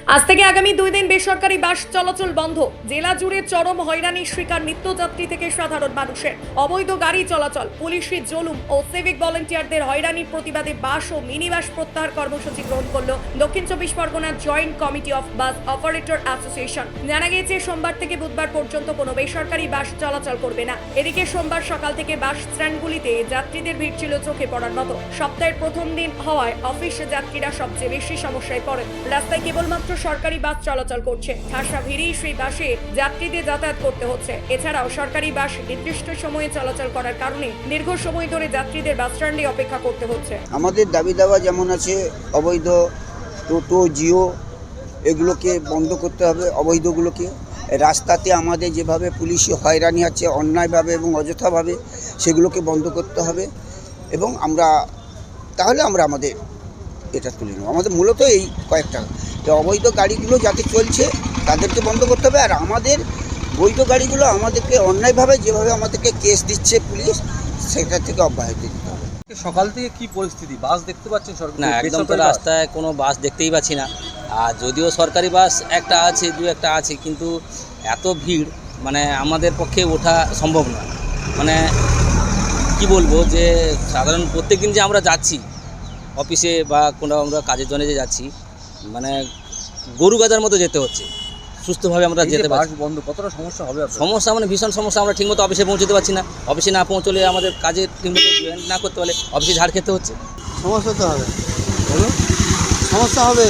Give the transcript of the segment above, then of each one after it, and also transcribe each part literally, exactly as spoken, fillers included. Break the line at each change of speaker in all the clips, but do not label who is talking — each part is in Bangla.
আজ থেকে আগামী দুই দিন বেসরকারি বাস চলাচল বন্ধ। জেলা জুড়ে চরম হয়রানির শিকার নিত্যযাত্রী থেকে সাধারণ মানুষের। অবৈধ গাড়ি চলাচল, পুলিশি জুলুম ও সিভিক ভলেন্টিয়ারদের হয়রানির প্রতিবাদে বাস ও মিনি বাস প্রত্যাহার কর্মসূচি গ্রহণ করল দক্ষিণ চব্বিশ পরগনা joint committee of bus operator association. জানা গিয়েছে সোমবার থেকে বুধবার পর্যন্ত কোনো বেসরকারি বাস চলাচল করবে না। এদিকে সোমবার সকাল থেকে বাস স্ট্যান্ডগুলিতে যাত্রীদের ভিড় ছিল চোখে পড়ার মতো। সপ্তাহের প্রথম দিন হওয়ায় অফিস যাত্রীরা সবচেয়ে বেশি সমস্যায় পড়েন। রাস্তায় কেবলমাত্র সরকারি বাস চলাচল করছে। ঠাসা ভিড়েই সেই বাসে যাত্রীদের যাতায়াত করতে হচ্ছে। এছাড়াও সরকারি বাস নির্দিষ্ট সময়ে চলাচল করার কারণে দীর্ঘ সময় ধরে যাত্রীদের বাস স্ট্যান্ডে অপেক্ষা করতে হচ্ছে।
আমাদের দাবি দাওয়া যেমন আছে, অবৈধ টোটো, জিও এগুলোকে বন্ধ করতে হবে। অবৈধগুলোকে রাস্তাতে আমাদের যেভাবে পুলিশি হয়রানি আছে অন্যায়ভাবে এবং অযথাভাবে, সেগুলোকে বন্ধ করতে হবে। এবং আমরা তাহলে আমরা আমাদের এটা তুলে নেব। আমাদের মূলত এই কয়েকটা, যে অবৈধ গাড়িগুলো যাতে চলছে তাদেরকে বন্ধ করতে হবে, আর আমাদের বৈধ গাড়িগুলো আমাদেরকে অন্যায়ভাবে যেভাবে আমাদেরকে কেস দিচ্ছে পুলিশ, সেটা থেকে অব্যাহতি দিতে হবে।
সকাল থেকে কি পরিস্থিতি? বাস দেখতে পাচ্ছেন সরকার?
না, একদম তো রাস্তায় কোনো বাস দেখতেই পাচ্ছি না। আর যদিও সরকারি বাস একটা আছে, দু একটা আছে, কিন্তু এত ভিড় মানে আমাদের পক্ষে ওঠা সম্ভব না। মানে কি বলবো, যে সাধারণ প্রত্যেক দিন যে আমরা যাচ্ছি অফিসে বা কোনো আমরা কাজের জন্য যে যাচ্ছি, মানে গরু গাদার মতো যেতে হচ্ছে, সুস্থভাবে আমরা যেতে পারছি।
বন্ধ কতটা সমস্যা হবে?
সমস্যা মানে ভীষণ সমস্যা। আমরা ঠিকমতো অফিসে পৌঁছতে পারছি না। অফিসে না পৌঁছলে আমাদের কাজে ঠিকমতো জয়েন না করতে পারলে অফিসে ঝাড় খেতে হচ্ছে।
সমস্যা তো হবে, বলুন সমস্যা হবে।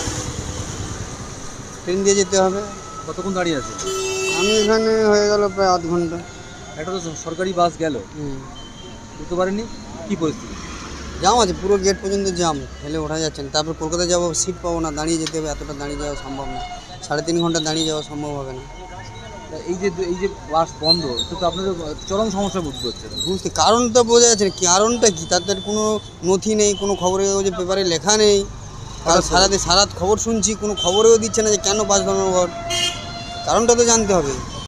ট্রেন দিয়ে যেতে হবে।
কতক্ষণ দাঁড়িয়ে আছে?
আমি এখানে হয়ে গেল প্রায় আধ ঘন্টা।
একটা তো সরকারি বাস গেল, বুঝতে পারেনি কি পরিস্থিতি?
জাম আছে, পুরো গেট পর্যন্ত জাম, ঠেলে ওঠা যাচ্ছে না। তারপর কলকাতা যাবো, সিট পাবো না, দাঁড়িয়ে যেতে হবে। এতটা দাঁড়িয়ে যাওয়া সম্ভব না, সাড়ে তিন ঘন্টা দাঁড়িয়ে যাওয়া সম্ভব হবে না।
এই যে এই যে বাস বন্ধ, এটা তো আপনাদের চরম সমস্যা বুঝতে হচ্ছে।
বুঝতে কারণটা বোঝা যাচ্ছে না, কারণটা কি? তাদের কোনো নথি নেই, কোনো খবরের কাগজে পেপারে লেখা নেই। আর সারাদিন সারাত খবর শুনছি, কোনো খবরেও দিচ্ছে না যে কেন বাস ধর্মঘট। কারণটা তো জানতে হবে।